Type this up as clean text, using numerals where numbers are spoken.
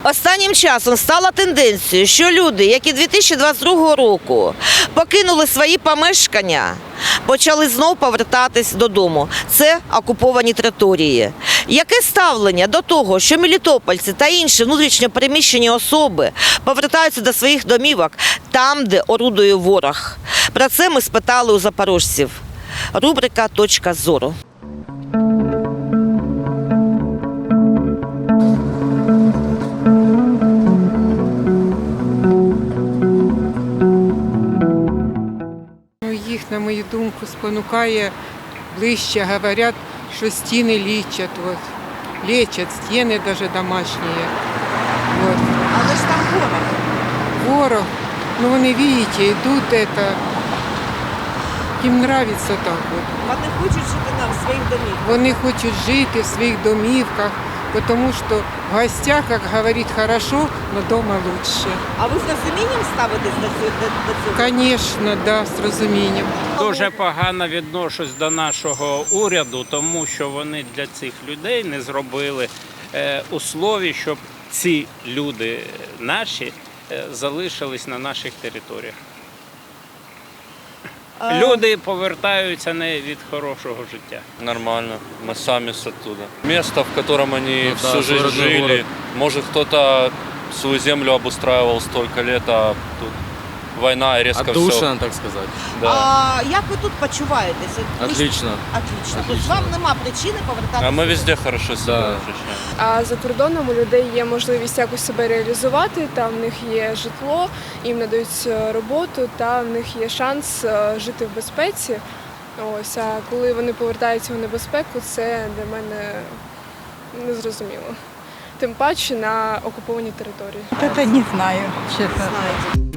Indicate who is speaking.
Speaker 1: Останнім часом стала тенденцією, що люди, які 2022 року покинули свої помешкання, почали знов повертатись додому. Це окуповані території. Яке ставлення до того, що мелітопольці та інші внутрішньо переміщені особи повертаються до своїх домівок там, де орудує ворог? Про це ми спитали у запорожців. Рубрика «Точка зору».
Speaker 2: Їх, на мою думку, спонукає ближче, говорять, що стіни лічать. Вот. Лечат стіни навіть домашні. Вот.
Speaker 1: Але ж там ворог.
Speaker 2: Ворог, ну вони, бачите, йдуть, это, їм подобається так. Вот.
Speaker 1: Вони хочуть жити нам в своїх домівках.
Speaker 2: Вони хочуть жити в своїх домівках, тому що в гостях, як говорить, хорошо, але вдома краще.
Speaker 1: А ви з розумінням ставитесь до цього?
Speaker 2: Звісно, да, з розумінням.
Speaker 3: Дуже погано відношусь до нашого уряду, тому що вони для цих людей не зробили условій, щоб ці люди наші залишились на наших територіях. Люди повертаються не від хорошого життя.
Speaker 4: Нормально, мы сами с оттуда. Место, в котором они всю жизнь жили. Город. Может, кто-то свою землю обустраивал столько лет, а тут война и резко все.
Speaker 5: Отдушина, так сказать.
Speaker 4: Да.
Speaker 1: А як ви тут почуваєтеся?
Speaker 5: Отлично.
Speaker 1: Отлично. Тобто вам нема причини повертатися?
Speaker 4: А мы везде хорошо себя
Speaker 5: Да.
Speaker 4: ощущаем.
Speaker 6: А за кордоном у людей є можливість якось себе реалізувати, там в них є житло, їм надають роботу, та в них є шанс жити в безпеці. Ось, а коли вони повертаються в небезпеку, це для мене незрозуміло. Тим паче на окупованій території.
Speaker 7: Это не знаю, честно.
Speaker 1: Знаєте.